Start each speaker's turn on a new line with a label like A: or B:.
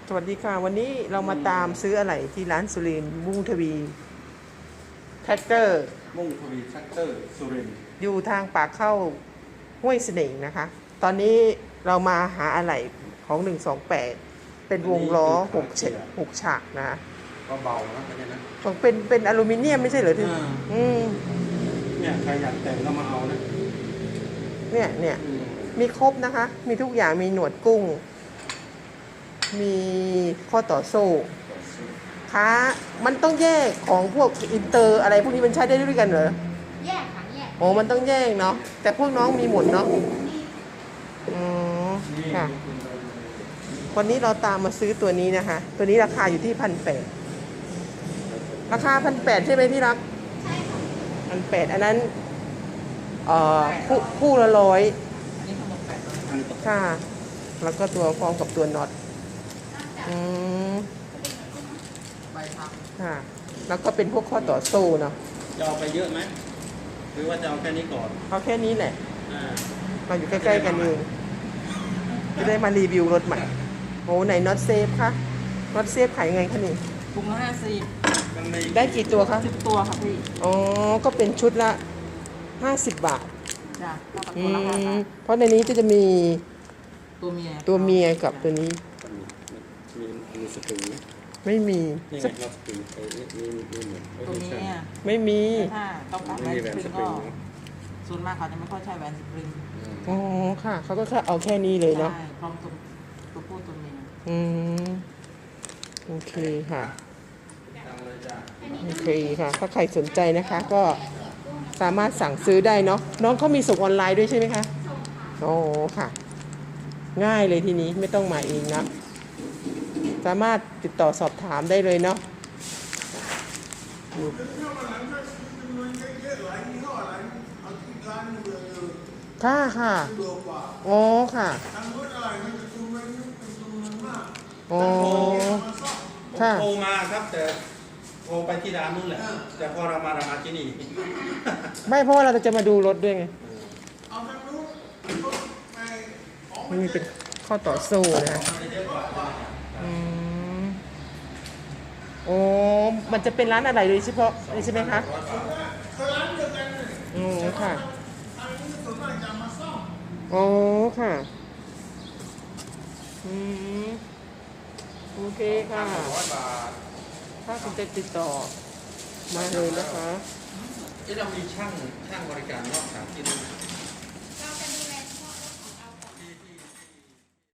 A: สวัสดีค่ะวันนี้เรามาตามซื้ออะไรที่ร้านสุรินทร์มุ่งทวีแท็กเตอร์
B: มุ่งทวีแทรกเตอร์สุรินทร์
A: อยู่ทางปากเข้าห้วยเสน่ห์นะคะตอนนี้เรามาหาอะไรของ128เป็นวงล้อ6ฉากนะ
B: ก็เบานะอันนี้นะ
A: ของเป็นอลูมิเนียมไม่ใช่เหรอที่
B: เนี่ยใครอยากแต่งก็มาเอานะ
A: เนี่ยมีครบนะคะมีทุกอย่างมีหนวดกุ้งมีข้อต่อโซ่ค้ามันต้องแยกของพวกอินเตอร์อะไรพวกนี้มันใช้ได้ด้วยกันเหรอ
C: แยกค่ะแยก
A: โอ้มันต้องแยกเนาะแต่พวกน้องมีหมดเนาะค่ะวันนี้เราตามมาซื้อตัวนี้นะคะตัวนี้ราคาอยู่ที่1,800ราคา1,800ใช่ไหมที่รัก
C: ใช่ค่ะ
A: 1,800อันนั้นคู่ละ100ค่ะแล้วก็ตัวพร้อมกับตัวน็อต
C: ใบพับ
A: ค่ะแล้วก็เป็นพวกข้อต่อโซ่เนาะ
B: จะเอาไปเยอะไหมหรือว่าจะเอาแค่นี้ก่อน
A: เอาแค่นี้แหละเราอยู่ใกล้ๆกันเองจะได้มารีวิวรถใหม่โอ้ไหนน็อตเซฟคะน็อตเซฟขายยังไงคะนี่
C: ถุงละ50
A: ได้กี่ตัวคะ
C: 10ตัวค่ะพี่
A: อ๋อก็เป็นชุดละ50 บาท
C: จ้ะตัวละ5 บาท
A: เพราะในนี้จะมี
C: ตัวเมีย
A: กับตัวนี้
B: มีสปริงไหม
A: ไม่มี
B: นี่ไงครับสปริง
C: ตัวเมีย
A: ไม่มี
C: ถ้าต้องการแหวนสปริงก็ส่วนมากเขาจะไม่ค่อยใช้แหวนสปริง
A: อ๋อค่ะเขาก็แค่เอาแค่นี้เลยเนาะ
C: ใช่พร้อมตัวผู้ตัวเมีย
A: โอเคค่ะโอเคค่ะถ้าใครสนใจนะคะก็สามารถสั่งซื้อได้เนาะน้องเขามีส่งออนไลน์ด้วยใช่ไหมคะโอ้ค่ะง่ายเลยทีนี้ไม่ต้องมาเองนะสามารถติดต่อสอบถามได้เลยเนาะค่ะค่ะอ๋อค่ะอ๋อค่ะ
B: โทรมาครับแต่โทรไปที่ร้านนู้นแหละแต่พอเรามาที่นี่
A: ไม่เพราะว่าเราจะมาดูรถด้วยไงมันมีเป็นข้อต่อสู้นะโอ้มันจะเป็นร้านอะไรโดยเฉพาะใช่ไหมคะโอ้ค่ะโอ้ค่ะโอเคค่ะถ้าคุณจะติดต่อมาเลยนะคะ
B: เรามีช่างบริการนอกสถานที่